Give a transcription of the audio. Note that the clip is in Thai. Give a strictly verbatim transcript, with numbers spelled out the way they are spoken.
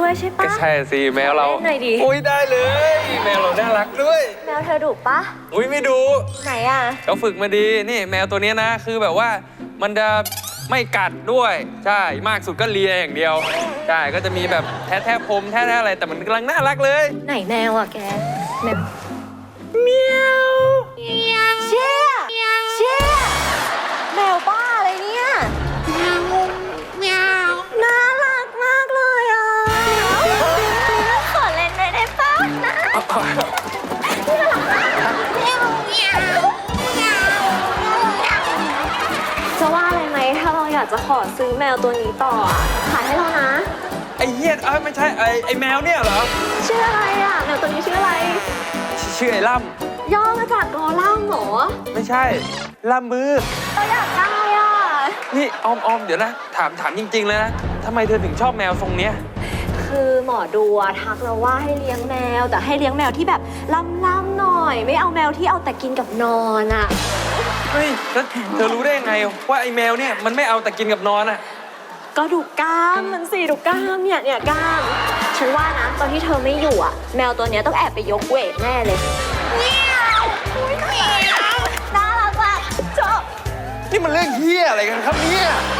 ด้วยใช่ปะใช่สิแมวเราเล่นหน่อยดิอุ้ยได้เลย แมวเราน่ารักด้วยแมวเธอดุปะอุ้ยไม่ดูไหนอ่ะเขาฝึกมาดีนี่แมวตัวนี้นะคือแบบว่ามันจะไม่กัดด้วยใช่มากสุดก็เลียอย่างเดียวใช่ก็จะมีแบบแท้แท้พรมแท้แท้อะไรแต่มันกำลังน่ารักเลยไหนแมวอ่ะแกแมวเมียวเชี่ยเชี่ยแมวบ้าอะไรเนี่ยเมียวน่ารักมากเลยอ่ะขอเล่นได้ได้ปะนะจะว่าอะไรไหมถ้าเราอยากจะขอซื้อแมวตัวนี้ต่ออะขายให้เรานะไอ้เหี้ยเอ้ยไม่ใช่ไอ้ไอ้แมวเนี่ยเหรอชื่ออะไรอ่ะแมวตัวนี้ชื่ออะไรชื่อไอ้ล่ย่อมาจากกอล่ามเหรอำไม่ใช่ล่ำมือเราอยากได้อ่ะนี่ออมออมเดี๋ยวนะถามถามจริงๆเลยนะทำไมเธอถึงชอบแมวทรงเนี้ยคือหมอดูอะทักเราว่าให้เลี้ยงแมว แต่ให้เลี้ยงแมวที่แบบล่ำๆหน่อย ไม่เอาแมวที่เอาแต่กินกับนอนอ่ะเฮ้ยแล้วเธอรู้ได้ยังไงว่าไอ้แมวเนี่ยมันไม่เอาแต่กินกับนอนอะก็ดูกล้ามมันสิดูกล้ามเนี่ยเนี่ยกล้ามฉันว่านะตอนที่เธอไม่อยู่อ่ะแมวตัวเนี้ยต้องแอบไปยกเวทแน่เลยเมียวน่ารักมากชอบนี่มันเรื่องเหี้ยอะไรกันครับเนี่ยน